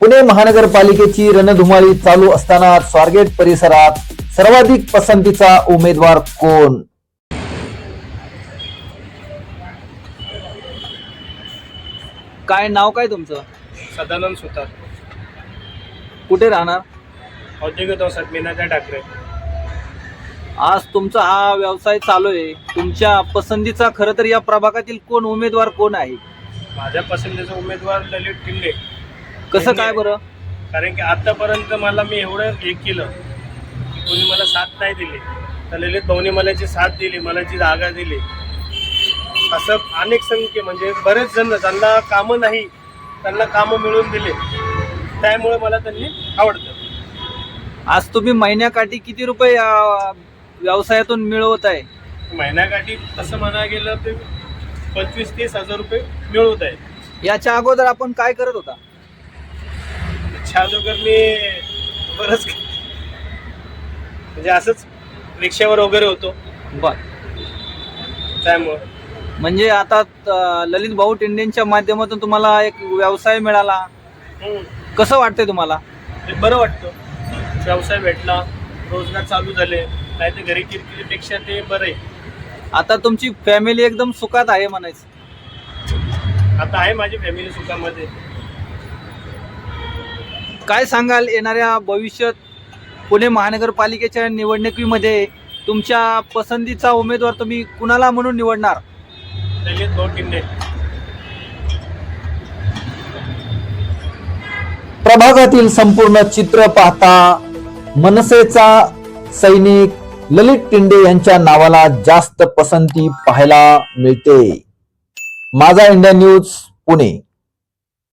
पुणे महानगरपालिकेची रणधुमाळी चालू असताना स्वारगेट परिसरात सर्वाधिक पसंतीचा उमेदवार कोण? काय नाव काय तुमचं? सदानंद सुतार, कुठे राहणार? औद्योगिक वसाहत मीनाच्या ठाकरे. आज तुमचा हा व्यवसाय चालू आहे, तुमच्या पसंतीचा खरं तर या प्रभागातील कोण उमेदवार कोण आहे? माझ्या पसंतीचा उमेदवार ललित टिंडे. कसं काय बरं? कारण की आतापर्यंत मी एवढं हे केलं की कोणी मला साथ नाही दिली, तर ललित भाऊनी मला जी साथ दिली, मला जी जागा दिली, असं अनेक संख्ये म्हणजे बरेच जण ज्यांना कामं नाही त्यांना कामं मिळवून दिले, त्यामुळे मला त्यांनी आवडतं. आज तुम्ही महिन्याकाठी किती रुपये या व्यवसायातून मिळवत आहे? महिन्याकाठी तसं म्हणायला गेलं तर 25-30 हजार रुपये मिळवत आहे. याच्या अगोदर आपण काय करत होता? अगोदर मी बरंच म्हणजे असंच रिक्षावर वगैरे होतो, बर. त्यामुळं म्हणजे आता ललित भाऊ टिंडेंच्या माध्यमातून तुम्हाला एक व्यवसाय मिळाला, कसं वाटतंय तुम्हाला? ते बरं वाटतं. व्यवसाय भेटला, रोजगार चालू झाले, नाही तर घरी किरकिरीपेक्षा ते बरं आहे. आता तुमची फॅमिली एकदम सुखात आहे म्हणायचं. आता आहे माझी फॅमिली सुखामध्ये. काय सांगाल येणाऱ्या भविष्यात पुणे महानगरपालिकेच्या निवडणुकीमध्ये तुमच्या पसंतीचा उमेदवार तुम्ही कुणाला म्हणून निवडणार? ललित भाऊ टिंडे. प्रभागातील संपूर्ण चित्र पाहता मनसेचा सैनिक ललित टिंडे यांच्या नावाला जास्त पसंती पाहायला मिळते. माझा इंडिया न्यूज पुणे.